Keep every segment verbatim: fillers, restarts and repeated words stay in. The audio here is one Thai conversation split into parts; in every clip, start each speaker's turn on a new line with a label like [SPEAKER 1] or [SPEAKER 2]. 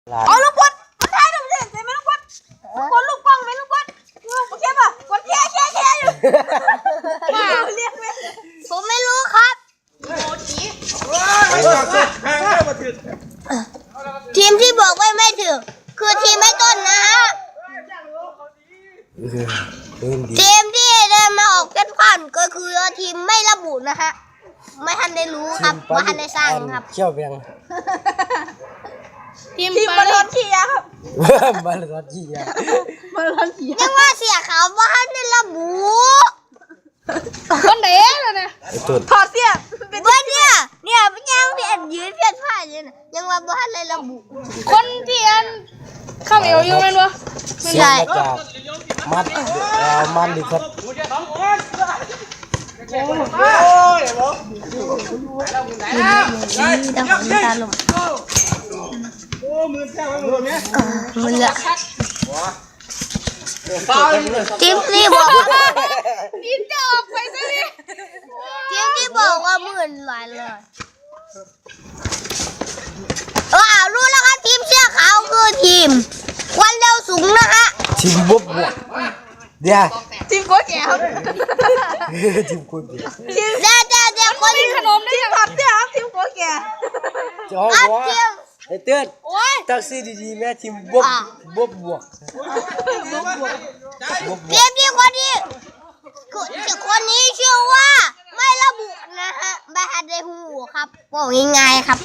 [SPEAKER 1] เอาลูกบอลมันท้ายดูสิเห็นไหมลูกบอลกดลูกป้องไหมลูกบอลโอเคป่ะกดแค่แค่แค่อยู่เรียกไหมผมไม่รู้ครับทีมที่บอกว่าไม่ถึงคือทีมไม่ต้นนะฮะทีมที่เดินมาออกกันผ่านก็คือทีมไม่ระบุนะฮะไม่ทันได้รู้ครับไม่ทันได้สร้างครับ
[SPEAKER 2] เชี่ยวเบียง
[SPEAKER 1] ทีมบอลลอนเชียครับ
[SPEAKER 2] บอลลอนเชีย
[SPEAKER 1] บอลลอนเชียยังว่าเสียขาวว่าทันได้ระบุคนไหนล่ะเนี่ยถอดเสียเป็นเนี่ยเนี่ยยังเพียนยืนเพียนผ้าอยู่นะยังว่าบ้านเลยระบุคนเทียนข้าวเหนียวอยู่ไหมวะ
[SPEAKER 2] ไม่ใช่จากมัดมันดิครับ
[SPEAKER 1] มันละทีมที่บอกทีมจะออกไปซะดิทีมที่บอกว่าหมื่นหลายเลยเออรู้แล้วครับทีมเสื้อขาวคือทีมวันเร็วสูงนะฮะ
[SPEAKER 2] ทีมบวบบวกเดี๋ยว
[SPEAKER 1] ทีมโก้แก้ว
[SPEAKER 2] ทีมโก้แก้ว
[SPEAKER 1] ทีมเดี๋ยวเดี๋ยวเดี๋ยวคนขนมได้ยังทีมผัดเดี๋ยวทีมโก้แก้ว
[SPEAKER 2] จอวะไอเตือนตักซีดีๆแม่ทีมบวบบวบบวก
[SPEAKER 1] ทีมที่คนนี้คนนี้ชื่อว่าไม่ระบุนะฮะไม่ทันได้หูครับบอกง่ายๆครับ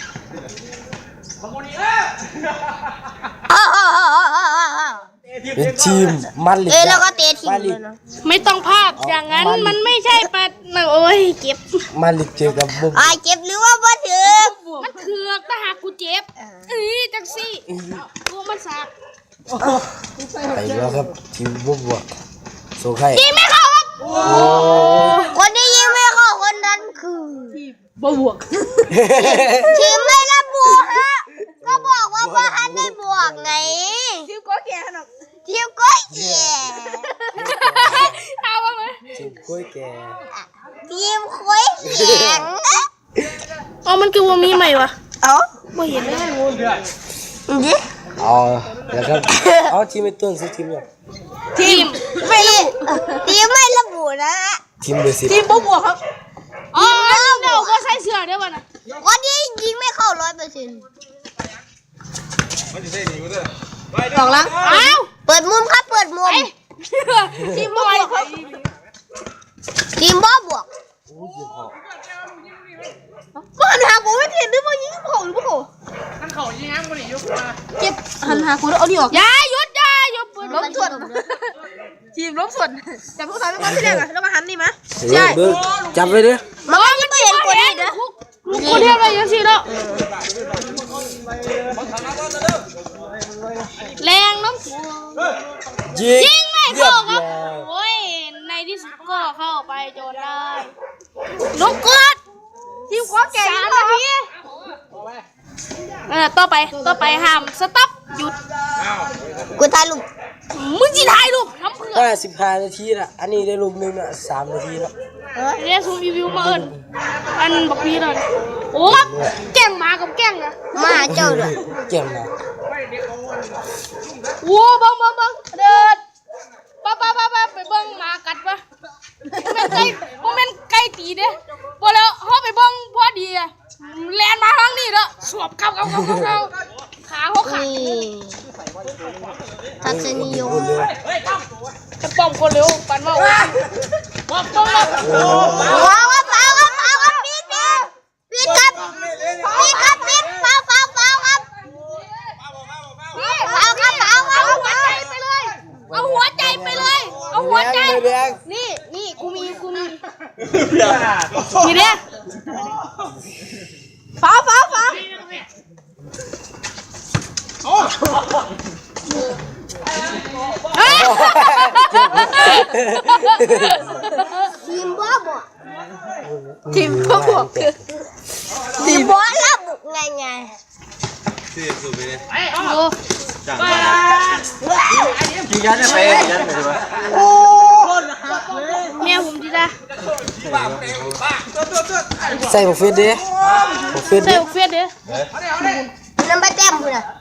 [SPEAKER 2] เป็นทีมมันลิก
[SPEAKER 1] เอ้แล้วก็เตะทีมเลยนะไม่ต้องภาพอย่างนั้นมันไม่ใช่ปัดโอ้ยเจ็บ
[SPEAKER 2] มันลิกเจอกับบุบ
[SPEAKER 1] อ่าเจ็บหรือว่าบ่ถึง
[SPEAKER 3] มันเถือกถ้าหากกูเจ็บเอ้ยจังซี่กูมันสัก
[SPEAKER 2] ไปแล้วครับทีมบุบบวกโซ่ไข่
[SPEAKER 1] ยิงไม่เข้าครับคนที่ยิงไม่เข้าคนนั้นคือทีมบวกทีมไม่ระบุฮะก็บอกว่าว่าฮันได้บวกไงทีมก้อยแก่หนอกทีมก้อยแก่
[SPEAKER 3] เอามาไหม
[SPEAKER 2] ทีมก้อยแก่
[SPEAKER 1] ทีมก้อยแข็ง
[SPEAKER 3] อ๋อมันคือว่ามีใหม่วะ
[SPEAKER 1] เอ้า
[SPEAKER 3] ไม่เห็นเลย
[SPEAKER 1] ดิ
[SPEAKER 2] อ๋อแล้วครับเอาทีมไม่ต้นซื้อทีมเนี่ย
[SPEAKER 1] ทีมไม่ระบุทีมไม่ระบุนะ
[SPEAKER 2] ทีมเบอร์สิบ
[SPEAKER 1] ทีมบวกครับ
[SPEAKER 3] อ๋อเดี๋ยวก็ใส่เสื้อเดี๋ยววันน่ะ
[SPEAKER 1] วันนี้ยิงไม่เข้าร้อยเปอร์เซ็นต์สองลังอ้าวเปิดมุมครับเปิดมุมทีมบวกครับทีมบ้าบวกมันหากูไม่เห็นด้วยว่ายิงเขาหรือเปล่า
[SPEAKER 3] นั่นเขายิงแฮมคนนี้ยุบมา
[SPEAKER 1] เก็บหันหากูแล้วเอาดิออก
[SPEAKER 3] อย่าหยุดอย่าหยุดปืน
[SPEAKER 1] ล้มส่วนทีมล้มส่วนจับพวกเขาไม่ก้อนที่แรกอะแล้วมาหันนี่มั้ย
[SPEAKER 2] ใช่จับไปดิ
[SPEAKER 1] มันไม่เห็นคนนี้นะ
[SPEAKER 3] กูเทียบอะไรยังสิแล้วแรงน้ำ
[SPEAKER 2] ยิง
[SPEAKER 3] ยิงไม่เข้าครับโอ้ยในที่สุดก็เข้าไปจนได้ลูกกด
[SPEAKER 1] ทีมก้อยแก่
[SPEAKER 3] สามนาทีเออต่อไปต่อไปห้ามสต็อปหยุด
[SPEAKER 1] กูถ่ายรูป
[SPEAKER 3] มึงจีถ่ายรูปทำเพื่อ
[SPEAKER 2] ก็สิบห้านาทีละอันนี้ได้รูปนึงละสามนาทีแล้ว
[SPEAKER 3] เรียกซูมรีวิวมาเอิญอันบอกพี่เลยโอ้แก่งมากับแก่งนะ
[SPEAKER 1] มาเจ้าเลย
[SPEAKER 2] แก่งมา
[SPEAKER 3] โว้บังบังบังเดินป้าป้าป้าป้าไปเบิ้งมากัดปะมันไก่มันไก่ตีเด้พอแล้วเขาไปเบิ้งพอดีอะแลนมาทางนี้แล้วสวบเข้าเข้าเข้าเข้าขาเขาขาด
[SPEAKER 1] ทัศนียม
[SPEAKER 3] จะป้อมคนเร็วปั่นมาป้อมป้อมแล้ว
[SPEAKER 1] ว้าวว้าวว้าวว้าวว้าวปิดปิดครับปิดครับปิดว้าวว้าวว้าวครับว้าวครับว้าวว้าว
[SPEAKER 3] หัวใจไปเลยเอาหัวใจไปเลยเอาหัวใจนี่นี่กูมีกูมีนี่เด้
[SPEAKER 1] ฟ้าฟ้าฟ้าทีมบ้าบวกทีมบ้าบวกทีมบ้าระบุไงไง
[SPEAKER 4] ที่สุดไปเลย
[SPEAKER 3] โอ้
[SPEAKER 4] จังกี่ยันเนี่ยไปยันไปใช่ไหมโอ้
[SPEAKER 3] แม่ผมดีจ้ะ
[SPEAKER 2] ใส่บุฟเฟ่ต์ดิบุฟเฟ่ต์
[SPEAKER 3] ใส่บุฟเฟ่ต์ดิ
[SPEAKER 1] น้ำปลาแจ่มคุณอะ